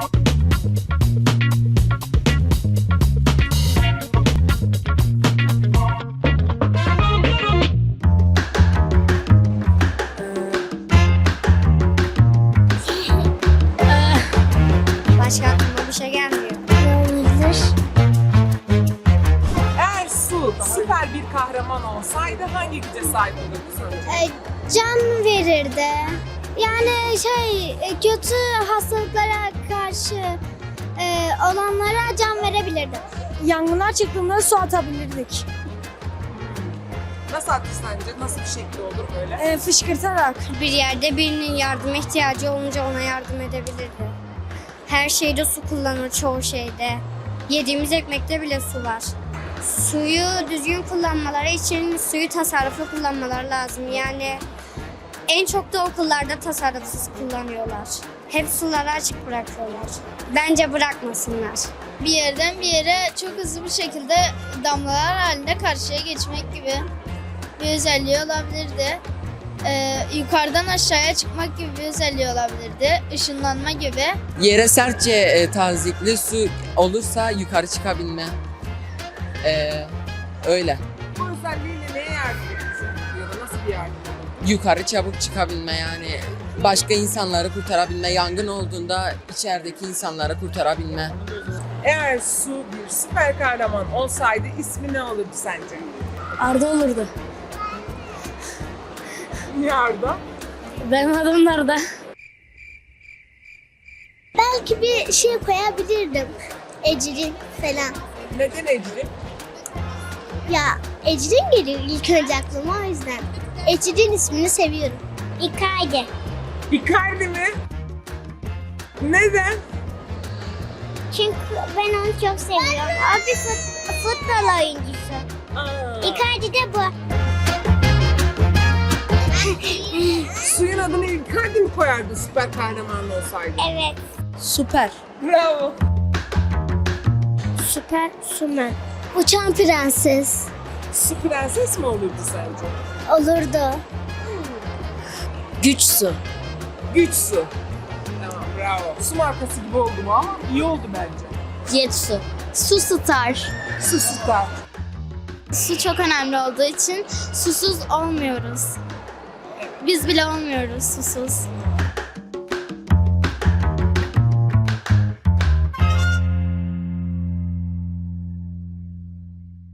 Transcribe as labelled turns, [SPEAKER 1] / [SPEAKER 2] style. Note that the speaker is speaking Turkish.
[SPEAKER 1] Başka aklıma bir şey gelmiyor.
[SPEAKER 2] Eğer Su süper bir kahraman olsaydı hangi güce sahip olurdu sence?
[SPEAKER 1] Can verirdi. Yani kötü hastalıklara karşı olanlara can verebilirdi. Yangınlar çıktığında su atabilirdik.
[SPEAKER 2] Nasıl attı sence? Nasıl bir şekli olur böyle?
[SPEAKER 1] Fışkırtarak. Bir yerde birinin yardıma ihtiyacı olunca ona yardım edebilirdi. Her şeyde su kullanır, çoğu şeyde. Yediğimiz ekmekte bile su var. Suyu düzgün kullanmaları için suyu tasarruflu kullanmaları lazım. Yani en çok da okullarda tasarrufsuz kullanıyorlar. Hep suları açık bırakıyorlar. Bence bırakmasınlar.
[SPEAKER 3] Bir yerden bir yere çok hızlı bir şekilde damlalar halinde karşıya geçmek gibi bir özelliği olabilirdi. Yukarıdan aşağıya çıkmak gibi bir özelliği olabilirdi. Işınlanma gibi.
[SPEAKER 4] Yere sertçe tazikli su olursa yukarı çıkabilme. Öyle.
[SPEAKER 2] Bu özelliğiyle neye yardım edecek ya da nasıl bir yardım olur?
[SPEAKER 4] Yukarı çabuk çıkabilme yani. Başka insanları kurtarabilme. Yangın olduğunda içerideki insanları kurtarabilme.
[SPEAKER 2] Eğer Su bir süper kahraman olsaydı ismi ne olurdu sence?
[SPEAKER 1] Arda olurdu.
[SPEAKER 2] Niye Arda?
[SPEAKER 1] Benim adım Arda.
[SPEAKER 3] Belki bir şey koyabilirdim. Ecrin falan.
[SPEAKER 2] Neden Ecrin?
[SPEAKER 3] Ya Ecrin geliyor ilk önce aklıma o yüzden. Ecrin ismini seviyorum. İkayde.
[SPEAKER 2] Icardi mi? Neden?
[SPEAKER 3] Çünkü ben onu çok seviyorum. O bir futbol oyuncusu. Icardi de bu.
[SPEAKER 2] Suyun adını Icardi mi koyardı süper kahraman olsaydı?
[SPEAKER 3] Evet.
[SPEAKER 1] Süper.
[SPEAKER 2] Bravo.
[SPEAKER 3] Süper Sümen. Uçan prenses.
[SPEAKER 2] Su prenses mi olurdu sence?
[SPEAKER 3] Olurdu.
[SPEAKER 1] Güç su.
[SPEAKER 2] Güç Su. Tamam, bravo. Su markası gibi oldu mu ama iyi oldu bence.
[SPEAKER 1] Jet su.
[SPEAKER 3] Su star.
[SPEAKER 2] Su Star.
[SPEAKER 3] Su çok önemli olduğu için susuz olmuyoruz. Biz bile olmuyoruz susuz.